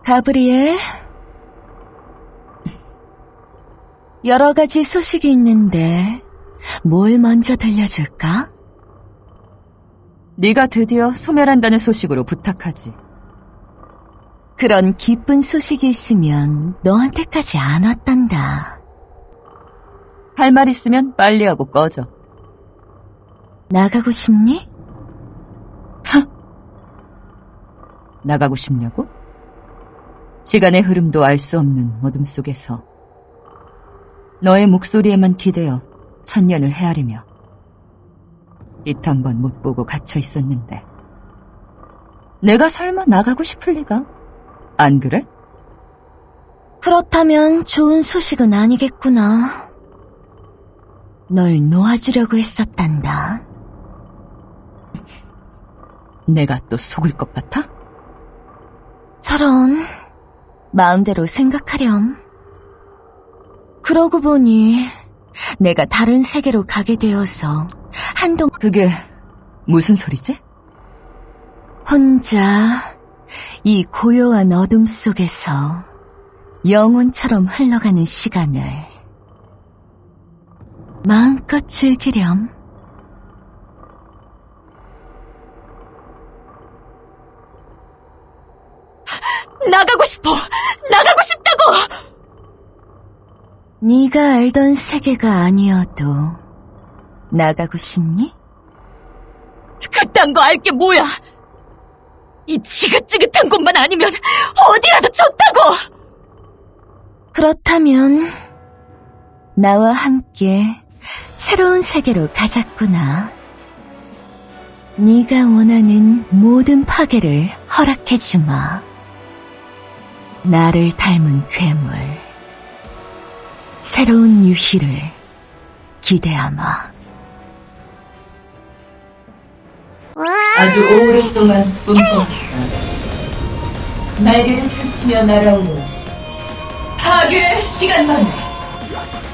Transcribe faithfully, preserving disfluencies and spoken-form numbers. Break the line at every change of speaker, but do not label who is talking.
가브리엘, 여러 가지 소식이 있는데 뭘 먼저 들려줄까?
네가 드디어 소멸한다는 소식으로 부탁하지.
그런 기쁜 소식이 있으면 너한테까지 안 왔단다.
할 말 있으면 빨리 하고 꺼져.
나가고 싶니?
나가고 싶냐고? 시간의 흐름도 알 수 없는 어둠 속에서 너의 목소리에만 기대어 천년을 헤아리며 빛 한 번 못 보고 갇혀 있었는데 내가 설마 나가고 싶을 리가? 안 그래?
그렇다면 좋은 소식은 아니겠구나. 널 놓아주려고 했었단다.
내가 또 속을 것 같아?
저런, 마음대로 생각하렴. 그러고 보니 내가 다른 세계로 가게 되어서 한동안
그게 무슨 소리지?
혼자 이 고요한 어둠 속에서 영혼처럼 흘러가는 시간을 마음껏 즐기렴.
나가고 싶어! 나가고 싶다고!
네가 알던 세계가 아니어도 나가고 싶니?
그딴 거 알게 뭐야! 이 지긋지긋한 곳만 아니면 어디라도 좋다고!
그렇다면 나와 함께 새로운 세계로 가자꾸나. 네가 원하는 모든 파괴를 허락해주마. 나를 닮은 괴물, 새로운 유희를 기대하마.
아주 오랫동안 꿈꿔왔다. 날개를 펼치며 날아오는 파괴의 시간만을.